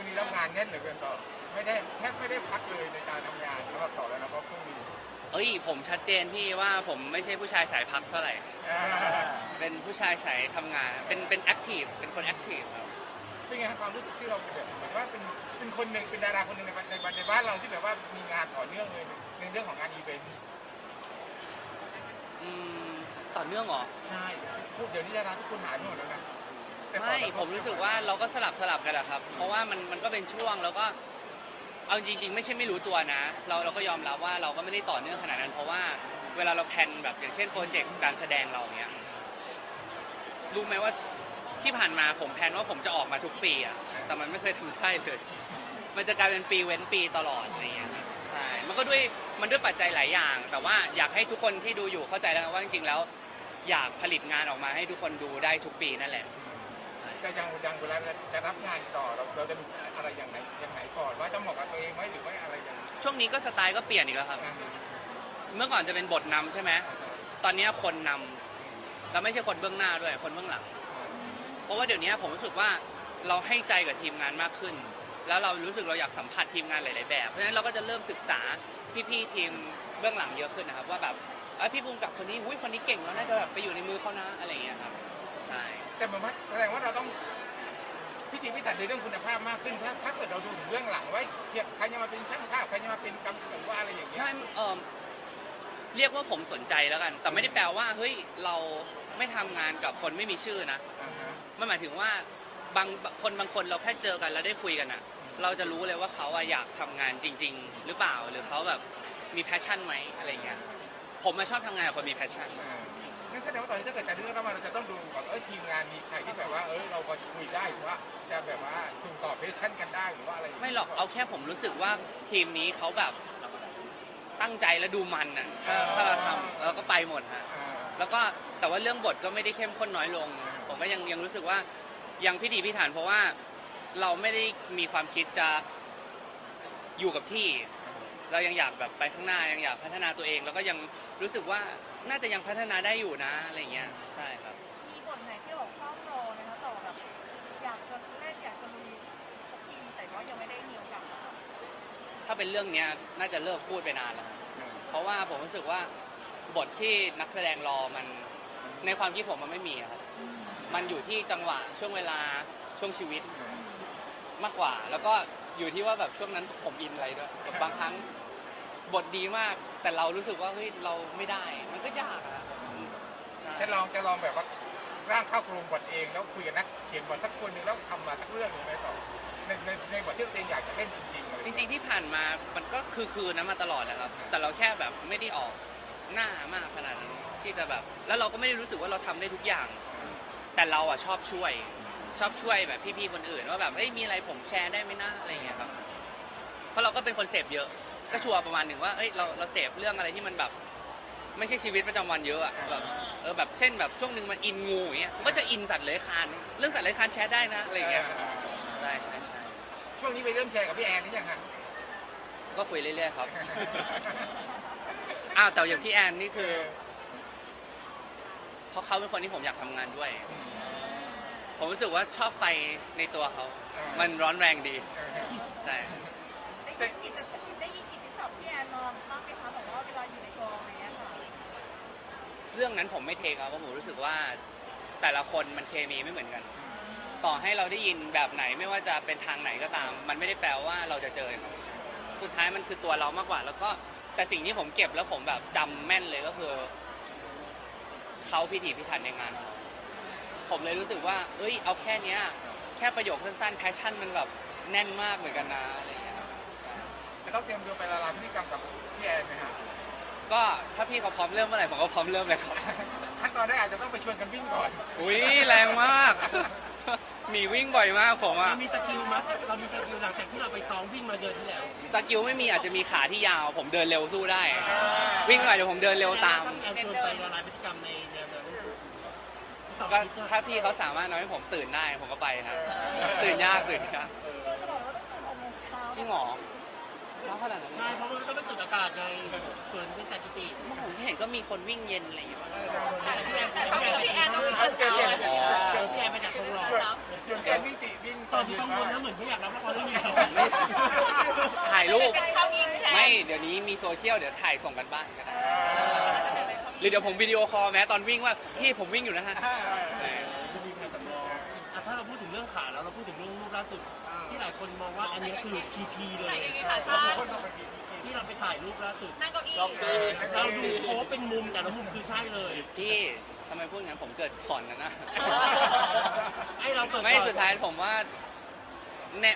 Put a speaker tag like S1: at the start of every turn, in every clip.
S1: งนี้รับงานแน่นเหลือเกินต่อไม่ได้แทบไม่ได้พักเลยในการทำงานสำหรับต่อแล้วนะเพราะพรุ่งนี้
S2: เอ้ยผมชัดเจนพี่ว่าผมไม่ใช่ผู้ชายสายพักเท่าไหร่
S1: อ่า
S2: เป็นผู้ชายสายทำงาน เป็นแอคทีฟเป็นคนแอคทีฟครับ
S1: เป็นไงครับความรู้สึกที่เราเป็นแบบเหมือนว่าเป็นคนหนึ่งเป็นดาราคนหนึ่งในบ้านเราที่แบบว่ามีงานต่อเนื่องเลยในเรื่องของงานอีเวนต์
S2: อืมต่อเนื่องเหรอ
S1: ใช่พูดเดี๋ยวนี้ดาราทุกคนหายไปหมดแล้วนะแต่ก่อน
S2: ไม่
S1: เราก็
S2: ผมรู้สึกว่าเราก็สลับกันอะครับ เพราะว่ามันก็เป็นช่วงแล้วก็เอาจริงๆไม่ใช่ไม่รู้ตัวนะ เราก็ยอมรับว่าเราก็ไม่ได้ต่อเนื่องขนาดนั้น เพราะว่าเวลาเราแพลนแบบอย่างเช่นโปรเจกต์การแสดงเราเนี้ยรู้ไหมว่าที่ผ่านมาผมแพลนว่าผมจะออกมาทุกปีอะแต่มันไม่เคยทำได้เลย มันจะกลายเป็นปีเว้นปีตลอดอะไรอย่างเงี้ยครับใช่มันก็ด้วยปัจจัยหลายอย่าง แต่ว่าอยากให้ทุกคนที่ดูอยู่เข้าใจแล้วว่าจริงๆแล้วอยากผลิตงานออกมาให้ทุกคนดูได้ทุกปีนั่นแหละ
S1: แต่ยังเวลาจะรับงานต่อเราจะดูอะไรอย่างไหนก่อนว่าจะเหมาะกับตัวเองไหมหรือว่าอะไรอย่าง
S2: ช่วงนี้ก็สไตล์ก็เปลี่ยนอีกแล้วครับ เมื่อก่อนจะเป็นบทนำใช่ไหมตอนนี้คนนำเราไม่ใช่คนเบื้องหน้าด้วยคนเบื้องหลัง เพราะว่าเดี๋ยวนี้ผมรู้สึกว่าเราให้ใจกับทีมงานมากขึ้น แล้วเรารู้สึกเราอยากสัมผัสทีมงานหลายๆแบบเพราะฉะนั้นเราก็จะเริ่มศึกษาพี่ๆทีมเบื้องหลังเยอะขึ้นนะครับว่าแบบพี่ภูมิกับคนนี้อุ้ยคนนี้เก่งแล้วน่าจะแบบไปอยู่ในมือเขานะอะไรอย่างเงี้ยครับใช่
S1: แต่เหมือนว่าแสดงว่าเราต้องพิถีพิถันในเรื่องคุณภาพมากขึ้นถ้าเกิดเราดูถึงเรื่องหลังไว้ใครจะมาเป็นช่างภาพใครจะมาเป็นกำกับหรือว่าอะไรอย่างเงี้ย
S2: ไม่เรียกว่าผมสนใจแล้วกัน แต่ไม่ได้แปลว่าเฮ้ยเราไม่ทำงานกับคนไม่มีชื่อนะ
S1: อ่าฮะ
S2: มันหมายถึงว่าบางคนเราแค่เจอกันแล้วได้คุยกันอะเราจะรู้เลยว่าเขาอะอยากทำงานจริง ๆ หรือเปล่าหรือเขาแบบมีแพชชั่นไหมอะไรเงี้ยผมมาชอบทำงานกับคนมีแพชชั่น
S1: งั้นแสดงว่าตอนนี้ถ้าเกิดจะเลือกแล้วเราจะต้องดูก่อนทีมงานมีใครที่แบบว่าเราพอจะคุยได้หรือว่าจะแบบว่าส่งต่อเพชชั่นกันได้หรือว่าอะไรย่ง
S2: ไม่
S1: งี้ย
S2: หรอกเอาแค่ผมรู้สึกว่าทีมนี้เขาแบบตั้งใจและดูมันอะถ้าเราทำเราก็ไปหมดฮะ
S1: อ่า
S2: แล้วก็แต่ว่าเรื่องบทก็ไม่ได้เข้มข้นน้อยลง ผมก็ยังรู้สึกว่ายังพิถีพิถันเพราะว่าเราไม่ได้มีความคิดจะอยู่กับที่ เรายังอยากแบบไปข้างหน้ายังอยากพัฒนาตัวเอง แล้วก็ยังรู้สึกว่าน่าจะยังพัฒนาได้อยู่นะอะไรเงี้ยใช่ครับ
S3: มีบทไหนที่บอกเฝ้ารอไหมคะต่อแบบอยากจะเล่นอยากจะลุยสักทีแต่ว่ายังไม่ได้มีโอกาส
S2: ถ้าเป็นเรื่องเนี้ยน่าจะเลิกพูดไปนานแล้วครับเพราะว่าผมรู้สึกว่าบทที่นักแสดงรอมันในความคิดผมมันไม่มีอะครับ มันอยู่ที่จังหวะช่วงเวลาช่วงชีวิตมากกว่า แล้วก็อยู่ที่ว่าแบบช่วงนั้นผมอินอะไรด้วยแบบบางครั้งบทดีมากแต่เรารู้สึกว่าเฮ้ยเราไม่ได้มันก็ยากอะใช่
S1: จะลองแบบว่าร่างเข้าโครงบทเองแล้วคุยกับนักเขียนบทสักคนหนึ่งแล้วทำมาสักเรื่องหนึ่งไหมต่อในบทที่เราเองอยากจะเล่นจริงๆอะไร
S2: จริงๆที่ผ่านมามันก็คือนะมาตลอดแหละครับ แต่เราแค่แบบไม่ได้ออกหน้ามากขนาดนั้นที่จะแบบแล้วเราก็ไม่ได้รู้สึกว่าเราทำได้ทุกอย่าง แต่เราอ่ะชอบช่วยแบบพี่ๆคนอื่นว่าแบบเอ้ยมีอะไรผมแชร์ได้ไหมนะอะไรอย่างเงี้ยครับเพราะเราก็เป็นคนเสพเยอะก็ชัวร์ประมาณหนึ่งว่าเอ้ยเราเสพเรื่องอะไรที่มันแบบไม่ใช่ชีวิตประจำวันเยอะอะแบบแบบเช่นแบบช่วงหนึ่งมันอินงูอย่างเงี้ยมันก็จะอินสัตว์เลื้อยคลานเรื่องสัตว์เลื้อยคลานแชร์ได้นะอะไรอย่างเงี้ยใช่
S1: ช่วงนี้ไปเริ่มแชร์กับพี่แอนหรือยังฮะ
S2: ก็คุยเรื่อยๆครับ อ้าวแต่อย่างพี่แอนนี่คือเพราะเขาเป็นคนที่ผมอยากทำงานด้วย ผมรู้สึกว่าชอบไฟในตัวเขา มันร้อนแรงดีใช่
S3: ได้ยินกิตติศัพท์พี่แอนนอนบ้างไหมคะแบบว่าเวลาอยู่ในกองอะไรเงี้ยค่ะ
S2: เรื่องนั้นผมไม่เทคครับเพราะผมรู้สึกว่าแต่ละคนมันเคมีไม่เหมือนกัน ต่อให้เราได้ยินแบบไหนไม่ว่าจะเป็นทางไหนก็ตาม มันไม่ได้แปลว่าเราจะเจอเขาสุดท้ายมันคือตัวเรามากกว่า แล้วก็แต่สิ่งที่ผมเก็บแล้วผมแบบจำแม่นเลยก็คือเขาพิถีพิถันในงานเขาผมเลยรู้สึกว่าเอ้ยเอาแค่เนี้ยแค่ประโยคสั้นๆแพชชั่นมันแบบแน่นมากเหมือนกันนะอะไรอย่างเงี้ยครับ
S1: จะต้องเตรียมตัวไปละลายพฤติกรรมกับพี่แอนไหมฮะ
S2: ก็ถ้าพี่เขาพร้อมเริ่มเมื่อไหร่ผมก็พร้อมเริ่มเลยครับ
S1: ขั้นตอนแรกอาจจะต้องไปชวนกันวิ่งก่อน
S2: อุ้ยแรงมาก หนีวิ่งบ่อยมากผมอะ
S4: เรามีสกิลมั้ยเรามีสกิลหลังจากที่เราไปซ้อมวิ่งมาเดือนที่แล้ว
S2: สกิลไม่มีอาจจะมีขาที่ยาว ผมเดินเร็วสู้ได้ วิ่งหน่อยเดี๋ยวผมเดินเร็วตาม
S4: แอนชวนไปละลายพฤติกรรมในแนวนั้น
S2: ก็ถ้าพี่เขาสามารถทำให้ผมตื่นได้ผมก็ไปครับตื่นยาก
S3: จะบอกว่าต้องตื่น6 โมงเช้า
S2: จริงเหรอเช้าขนาดนั้น
S4: ใช่เพราะมันต้องไปสูดอากาศไงส่วนเป็นจัดจุติ
S2: เมื่อผมเห็นก็มีคนวิ่งเย็นอะไรอยู่บ้าง
S4: พี่แอนต้องวิ่งตอนเช้าเลยพี่แอนไปจากตรงรอ
S1: จนแอนวิ่งติวิ่ง
S4: ตอนที่กังวลนะเหมือนไม่อยากรับละครเรื่องนี้
S2: ไม่ถ่ายรูป
S3: เขายิงแชร์
S2: ไม่เดี๋ยวนี้มีโซเชียลเดี๋ยวถ่ายส่งกันบ้านก็ได้หรือเดี๋ยวผมวิดีโอคอลแม้ตอนวิ่งว่าพี่ผมวิ่งอยู่นะฮะ
S4: จะมีแผนสำรองถ้าเราพูดถึงเรื่องขาแล้วเราพูดถึงเรื่องรูปล่าสุดที่หลายคนมองว่าอันนี้คือพีเลยที่เราไปถ่ายรูปล่าสุด
S3: นั่งเก้าอี้
S4: เราดูโค้เป็นมุมแต่ละมุมคือใช่เลย
S2: ที่ทำไมพูดงั้นผมเกิดก่อนกันนะ
S4: ไอเราเกิด
S2: ไม่สุดท้ายผมว่าเนี่ย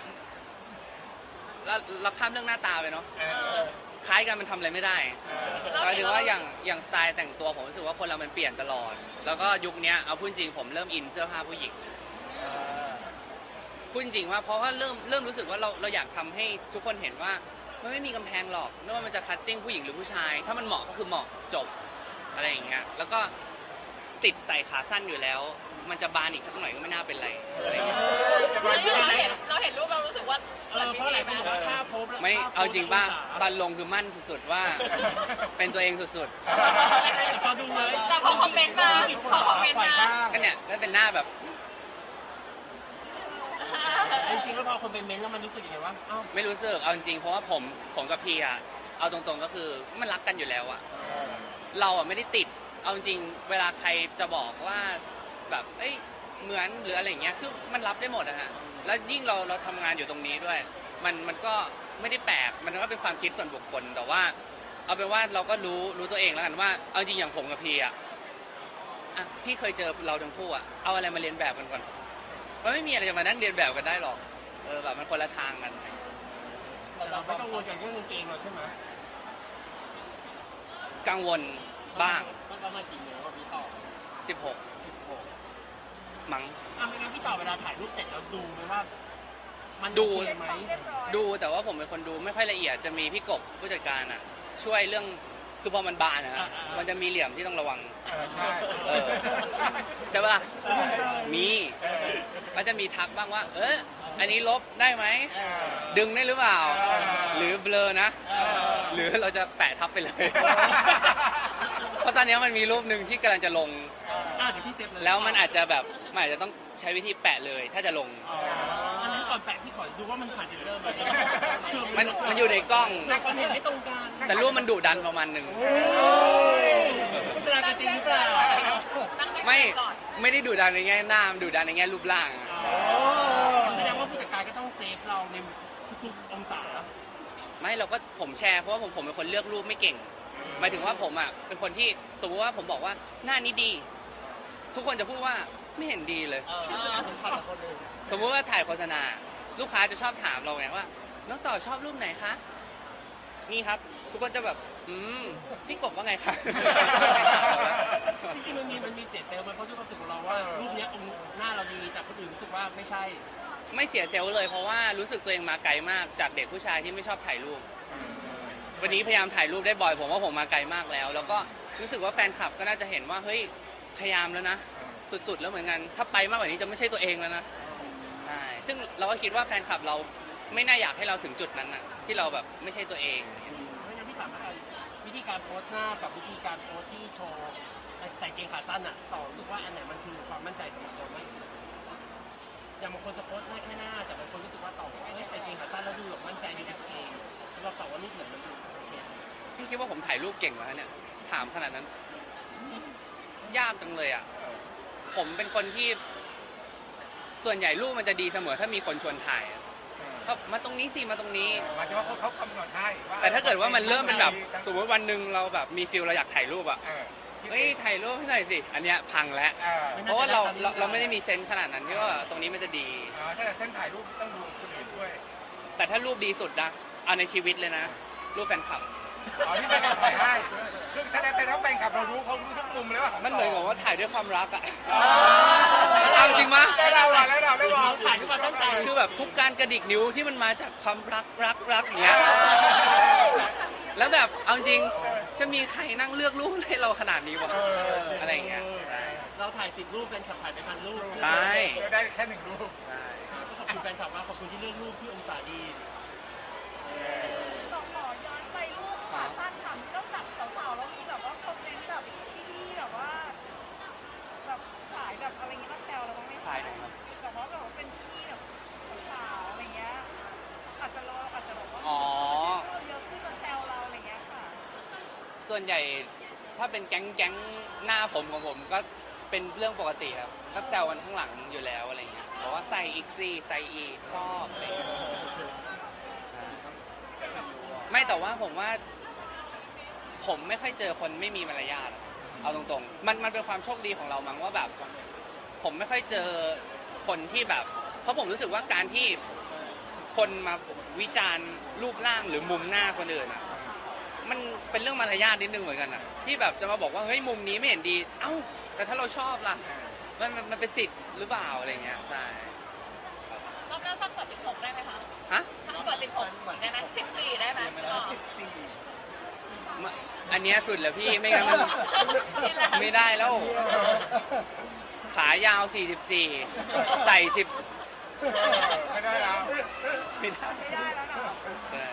S2: เราข้ามเรื่องหน้าตาไปเนาะคล้ายกันมันทำอะไรไม่ได้หมายถึงว่าอย่างสไตล์แต่งตัวผมรู้สึกว่าคนเรามันเปลี่ยนตลอด แล้วก็ยุคนี้เอาพูดจริงผมเริ่มอินเสื้อผ้าผู้หญิงพูดจริงว่าเพราะว่าเริ่มรู้สึกว่าเราอยากทำให้ทุกคนเห็นว่ามันไม่มีกำแพงหรอกไม่ว่ามันจะคัตติ้งผู้หญิงหรือผู้ชาย ถ้ามันเหมาะก็คือเหมาะจบอะไรอย่างเงี้ยแล้วก็ติดใส่ขาสั้นอยู่แล้ว มันจะบานอีกสักหน่อยก็ไม่น่าเป็นไรอะไรเงี้ย
S3: เราเห็นรูปเรารู้สึกว่า
S4: เพราะหลายคนบอกว่าถ้าโพส
S2: ไม่เอาจริงป่ะตอนลงคือมั่นสุดๆว่า เป็นตัวเองสุด
S4: จอดูเลย
S3: แต่พอคอมเมนต์มาพอคอมเมนต์มา
S2: ๆก็เนี่ยก็เป็นหน้าแบบ
S4: จริงๆแล้วพอคนเป็นเม้นต์แล้วมันรู้สึกยังไงวะเอ้า
S2: ไม่รู้สึกเอาจริงๆเพราะว่าผมกับพีอะเอาตรงๆก็คือมันรักกันอยู่แล้วอะเราอะไม่ได้ติดเอาจริงเวลาใครจะบอกว่าแบบเอ้ยเหมือนหรืออะไรอย่างเงี้ยคือมันรับได้หมดอะฮะแล้วยิ่งเราทำงานอยู่ตรงนี้ด้วย มันก็ไม่ได้แปลกมันก็เป็นความคิดส่วนบุคคลแต่ว่า เอาเป็นว่าเราก็รู้ตัวเองแล้วกันว่าเอาจริงอย่างผมกับพีอะพี่เคยเจอเราทั้งคู่อะเอาอะไรมาเรียนแบบกันก่อนมันไม่มีอะไรจะมานั่งเรียนแบบกันได้หรอกแบบมันคนละทางกัน
S4: เราไม่กังวลกับเรื่องกางเกงเราใช่ไหม
S2: กังวลบ้าง
S4: มันประมาณกี่นิ้วพี่ต่อ
S2: 16มั้ง
S4: ไม่งั้นพี่ต่อเวลาถ่ายรูปเสร็จเราดูไหมว่ามัน
S2: ดู
S4: โอเคไหม
S2: ดูแต่ว่าผมเป็นคนดูไม่ค่อยละเอียดจะมีพี่กบผู้จัดการอะช่วยเรื่องคือพอมันบานนะครับมันจะมีเหลี่ยมที่ต้องระวัง
S1: ใช่
S2: ใช่ปะล่ะมีก็จะมีทักบ้างว่าอันนี้ลบได้ไหมดึงได้หรือเปล่า หรือเบลอนะ หรือเราจะแปะทับไปเลย เพราะตอนนี้มันมีรูปหนึ่งที่กำลังจะลง
S4: เดี๋ยวพี่เซฟเลย
S2: แล้วมันอาจจะแบบมันอาจจะต้องใช้วิธีแปะเลย ถ้าจะลง
S4: อันนั้นก่อนแปะพี่ขอดูว่ามันผ่านเซ็นเซอร์ไหม
S2: มันอยู่ในกล้อง
S4: แต่ความเห็นไม่ตรงกัน
S2: แต่รูปมันดุดันประมาณหนึ่ง
S4: โฆษณากันจริงหรือเปล่า
S2: ไม่ได้ดุดันในแง่หน้ามันดุดันในแง่รูปร่าง
S4: แสดงว่าผู้จัดการก็ต้องเซฟเราในทุกๆองศา
S2: ไม่เราก็ผมแชร์เพราะว่าผมเป็นคนเลือกรูปไม่เก่งหมายถึงว่าผมเป็นคนที่สมมติว่าผมบอกว่าหน้านี้ดี ทุกคนจะพูดว่าไม่เห็นดีเลย สมมุติว่าถ่ายโฆษณาลูกค้าจะชอบถามเราไงว่าน้องต่อชอบรูปไหนคะนี่ครับ ทุกคนจะแบบพี่กบว่าไงคะ
S4: จริงๆมันมีเสียเซลล์มันเพราะที่เราสึกของเราว่ารูปนี้องค์หน้าเราดีแต่คนอื่นรู้สึกว่าไม่ใช่
S2: ไม่เสียเซลล์เลยเพราะว่ารู้สึกตัวเองมาไกลมากจากเด็กผู้ชายที่ไม่ชอบถ่ายรูป วันนี้พยายามถ่ายรูปได้บ่อยผมว่าผมมาไกลมากแล้ว แล้วก็รู้สึกว่าแฟนคลับก็น่าจะเห็นว่าเฮ้ยพยายามแล้วนะสุดๆแล้วเหมือนกันถ้าไปมากกว่านี้จะไม่ใช่ตัวเองแล้วนะใช่ซึ่งเราก็คิดว่าแฟนคลับเราไม่น่าอยากให้เราถึงจุดนั้นน่ะที่เราแบบไม่ใช่ตัวเอง
S4: เพราะฉะนั้นพี่ถามว่าวิธีการโพสหน้ากับวิธีการโพสที่โชว์ใส่เกงขาสั้นต่อรู้สึกว่าอันไหนมันคือความมั่นใจสำหรับเรามากที่สุดอย่างบางคนจะโพสหน้าแค่หน้าแต่บางคนรู้สึกว่าต่อใส่เกงขาสั้นแล้วดูแบบมั่นใจในตัวเองเราตอบว่ารูปไหนมันดูโอเค
S2: พี่คิดว่าผมถ่ายรูปเก่งแล้วเนี่ยถามขนาดนั้นยากจังเลยอ่ะผมเป็นคนที่ส่วนใหญ่รูปมันจะดีเสมอถ้ามีคนชวนถ่ายก็มาตรงนี้สิมาตรงนี้
S1: หมายถึงว่าเขากำหนดให้ว่า
S2: แต่ถ้าเกิดว่ามันเริ่มเป็นแบบสมมติวันหนึ่งเราแบบมีฟิลเราอยากถ่ายรูปอ่ะเฮ้ยถ่ายรูปให้หน่อยสิอันเนี้ยพังแล้วเพราะว่าเราไม่ได้มีเซนส์ขนาดนั้นที่ว่าตรงนี้มันจะดี
S1: ถ้าเส้นถ่ายรูปต้องดูคนอื่นด้วย
S2: แต่ถ้ารูปดีสุดนะเอาในชีวิตเลยนะรูปแฟนคลับ
S1: ที่ไม่ได้ถ่ายให้คือแต่ถ้าแฟนคลับเรารู้เขารู้ทุกมุมเลยว่า
S2: มันเหมือนกับว่าถ่ายด้วยความรักอ่ะเอาจริงมั้ย
S1: แล้วเรา
S4: ถ่ายขึ้นมาตั้งใจ
S2: คือแบบทุกการกระดิกนิ้วที่มันมาจากความรักอย่างเงี้ยแล้วแบบเอาจริงจะมีใครนั่งเลือกรูปให้เราขนาดนี้วะอะไรอย่างเงี้ย
S4: เราถ่าย10 รูปแฟนคลับถ่ายไป1,000 รูป
S2: ใช่
S1: ได้แค่1 รูป
S4: ขอบคุณแฟนคลับมากขอบคุณที่เลือกรูปที่องศาดี
S3: บอกไปรูปขาสั้นทำต้องจับสาวๆแล้วมีแบบว่าคอมเมนต์แบบพี่ๆแบบว่าแบบขายแบบอะไรเงี้ยมาแซวเราบ้างไหม
S2: ถ่ายหน่อยครับ
S3: แบบว่าเป็นพี่แบบสาวอะไรเงี้ยอาจจะแบบว่า
S2: อ๋อ
S3: ชอบเยอะขึ้นมาแซวเราอะไรเงี้ยค่ะ
S2: ส่วนใหญ่ถ้าเป็นแก๊งหน้าผมของผมก็เป็นเรื่องปกติครับก็แซวกันข้างหลังอยู่แล้วอะไรเงี้ยบอกว่าใส่อีกซี่ใส่อีกชอบอะไรเงี้ยไม่แต่ว่าผมว่าผมไม่ค่อยเจอคนไม่มีมารยาทอะเอาตรงๆมันเป็นความโชคดีของเรามั้งว่าแบบ ผมไม่ค่อยเจอคนที่แบบ เพราะผมรู้สึกว่าการที่คนมาวิจารณ์รูปร่างหรือมุมหน้าคนอื่นอ่ะมันเป็นเรื่องมารยาทนิดนึงเหมือนกันอ่ะที่แบบจะมาบอกว่าเฮ้ยมุมนี้ไม่เห็นดีเอ้าแต่ถ้าเราชอบล่ะมันเป็นสิทธิ์หรือเปล่าอะไรเงี้ยใช่
S3: รอบหน้าสักกว่า16ได้ไหมคะ
S2: ฮะ
S3: สักกว่า16ได้ไหม14ได้ไหม
S2: อันเนี้ยสุดแล้วพี่ไม่งั้นมันไม่ได้แล้ว ขายาว 44 ใส่ 10
S1: ไม่ได้แล้ว
S2: ไม่ได้
S3: ไม่ได้แล้วเนาะ
S2: ใช่